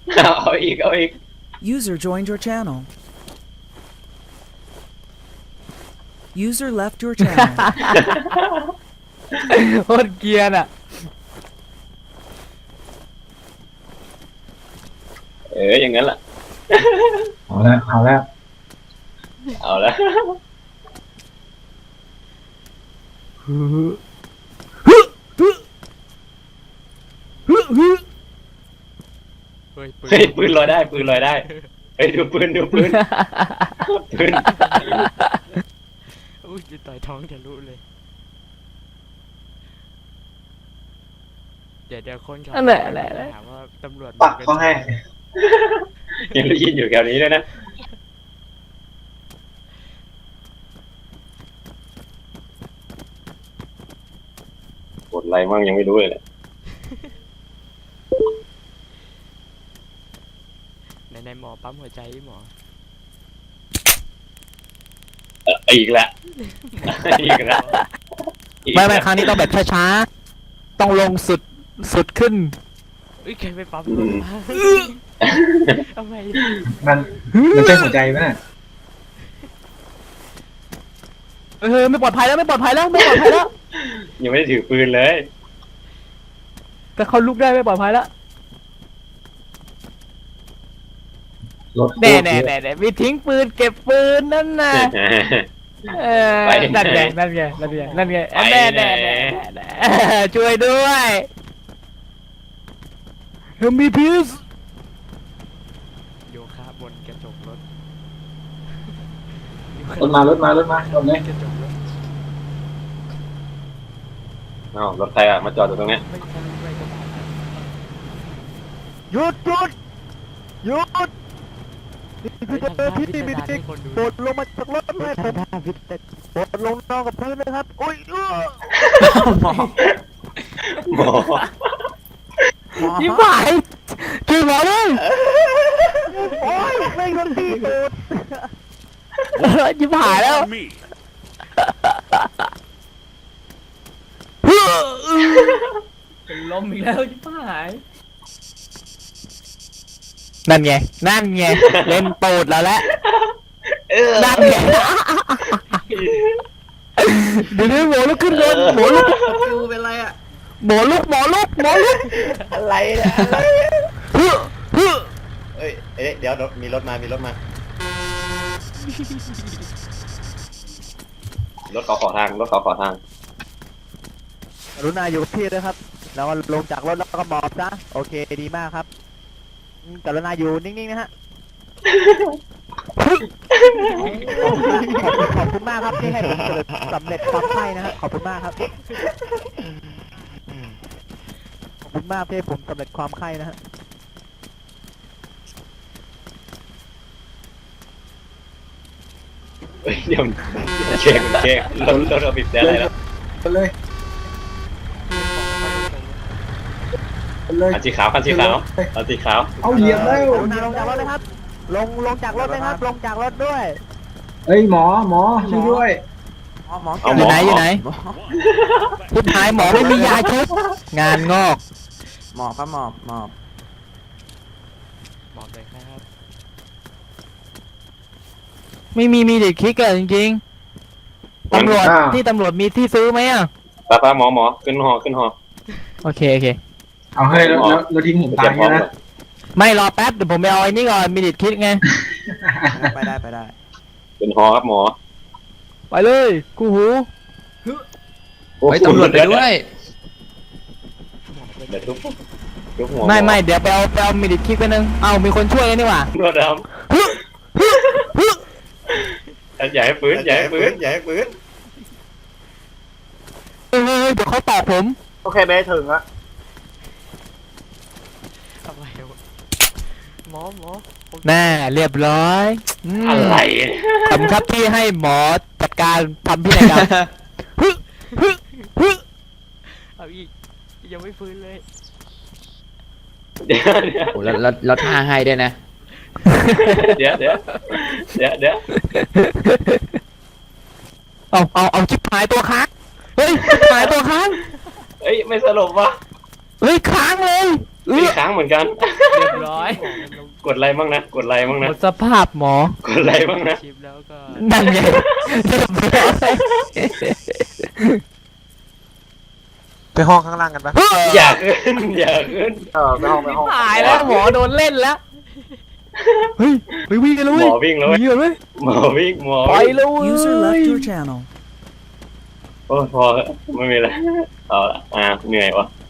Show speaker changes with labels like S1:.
S1: เอาอีกเอาอีก
S2: User joined your channel. User left your channel.
S3: โคตรเกรียนอ่ะ
S1: อย่างนั้นแหละ
S4: เอาแล้วเอาแล้ว
S1: เอาละ
S3: เฮ้ย
S1: เฮ้ยปืนลอยได้ปืนลอยได้เฮ้ยดูปืนปืน
S3: อุ้ยจะต่อยท้องทะลุเลยเดี๋ยวคนขับ
S5: นั่นแหละแหละ
S3: ถามว่าตำรวจ
S4: ปักเขาให้
S1: ยังได้ยินอยู่แถวนี้ด้วยนะกดอะไรมั่งยังไม่รู้เลย
S3: ในหมอปั๊มหัวใจหมอ
S1: อีกแล้วอีกแล้ว
S5: ไม่ครั้งนี้ต้องแบบช้าๆต้องลงสุดขึ้น
S3: อุ้ยใครไปปั๊มรถมาทำไม
S4: มันใช่หัวใจไหมน่ะ
S5: ไม่ปลอดภัยแล้วไม่ปลอดภัยแล้ว
S1: ยังไม่ได้ถือปืนเลย
S5: แต่เขาลุกได้ไม่ปลอดภัยแล้ว
S4: รถ
S5: แน่มีทิ้งปืนเก็บปืนนั่นน่ะนั่นไงแน่ช่วยด้วยมีพีซ
S3: โยคะบนกระจกรถ
S4: รถมารถรถเลย
S3: กระจกรถ
S1: รถใครอ่ะมาจอดอยู่ตรงเนี้ย
S3: ไม่ใช่ไม่กระบะ
S5: หยุด
S3: พี่มีติ๊กคนดู
S5: ปลดลงมาจากรถเลยปลดลงนอนกับพื้นเลยครับโอ้ย
S1: หมอ
S5: ยิ้มหายช่วยหมอเลยโอ้ยไม่ทันทีโดดยิ้มหายแล้วเป็นลมอีกแล้วยิ้มหายนั่นไงเล่นตูดแล้วแหละนั่นไงเดี๋ยวหมอลุกขึ้นเลยหมอลุก
S6: ดูเป็นไรอ่ะ
S5: หมอลุก
S6: อะไรเนี่ย
S5: เฮ้อ
S6: เอ้ยเดี๋ยวมีรถมา
S1: รถเขาขอทางรถเขาขอทาง
S5: กรุณาอยู่กับที่ด้วยครับแล้วก็ลงจากรถแล้วก็หมอบซะโอเคดีมากครับกรุณาอยู่นิ่งๆนะฮะขอบคุณมากครับที่ให้ผมสำเร็จความใคร่นะฮะขอบคุณมากครับขอบคุณมากที่ให้ผมสำเร็จความใคร่นะฮะ
S1: เดี๋ยวเช็ครถเราปิดได้แล้ว
S4: เลยเลย
S1: คันสีขาวคันสีขาว
S4: เอาเหยียบแล้ว
S5: กรุณาลงจากรถเลยครับลงจากรถเลยครับลงจากรถด้วย
S4: เฮ้ยหมอช่วยด้วย
S6: หมอ
S5: อยู่ไหนพูดท้ายหมอไม่มียาชุบงานงอก
S6: หมอบครับหมอบ
S3: บอกเลยครับ
S5: ไม่มีเด็กคิกอะจริงๆตำรวจที่ตำรวจมีที่ซื้อไหมอ่ะ
S1: ป้าหมอขึ้นหอ
S5: โอเค
S4: เอาให้แล้วทิ้งผมตายนะ
S5: ไม่รอแป๊บเดี๋ยวผมไปเอาไอ้นี่ก่อนมีเด็กคิกไง
S6: ไปได้
S1: ขึ้นหอครับหมอ
S5: ไปเลยกูหู
S1: ไปตำรวจไปด้วยเดี๋ยวทุบหัว
S5: ไม่เดี๋ยวไปเอามีเด็กคิกไปนึงเอามีคนช่วยกันนี่หว่า
S1: รถดำอย่าให้ปืน
S6: อย่าให้ปืน
S5: เดี๋ยวเขาตอบผม
S6: โอเคไม่ถึงอะ
S3: อะไรวะหมอผม
S5: แน่เรียบร้อย
S1: อะไร
S5: ขอบคุณครับที่ให้หมอจัดการทำพินัยกรรม
S3: เอาอีกยังไม่ฟื้นเลย
S1: เดี๋ยว
S7: โอ้แล้วท่าให้ด้วยนะ
S5: เอาชิบหายตัวค้างเฮ้ยชิบหายตัวค้าง
S1: เอ้ยไม่สลบวะ
S5: เฮ้ยค้างเลย
S1: มีค้างเหมือนกัน
S3: เรียบร้อย
S1: กดอะไรบ้างนะกดอะไรบ้าง
S5: หม
S1: นะ
S5: ดสภาพหมอก
S1: ดอะไรบ้างนะ
S3: ชิปแล้วก็
S5: นั่นไงเรียบร้อย
S8: ไปห้องข้างล่างกันปะ
S1: อยากขึ้นอยากขึ้น
S6: ไปห้องไปห้อง
S5: หายแล้วหมอโดนเล่นแล้วเฮ้ยไปวิ่งกันเลย
S1: หมอวิ่งแล้ว
S5: วิ่งกันเลย
S1: หมอวิ่งหมอ
S5: ไป
S1: วิ่ง
S5: เลย
S2: User left your channel.
S1: โอ้ยพอแล้วไม่มีอะไรเอาละเหนื่อยวะ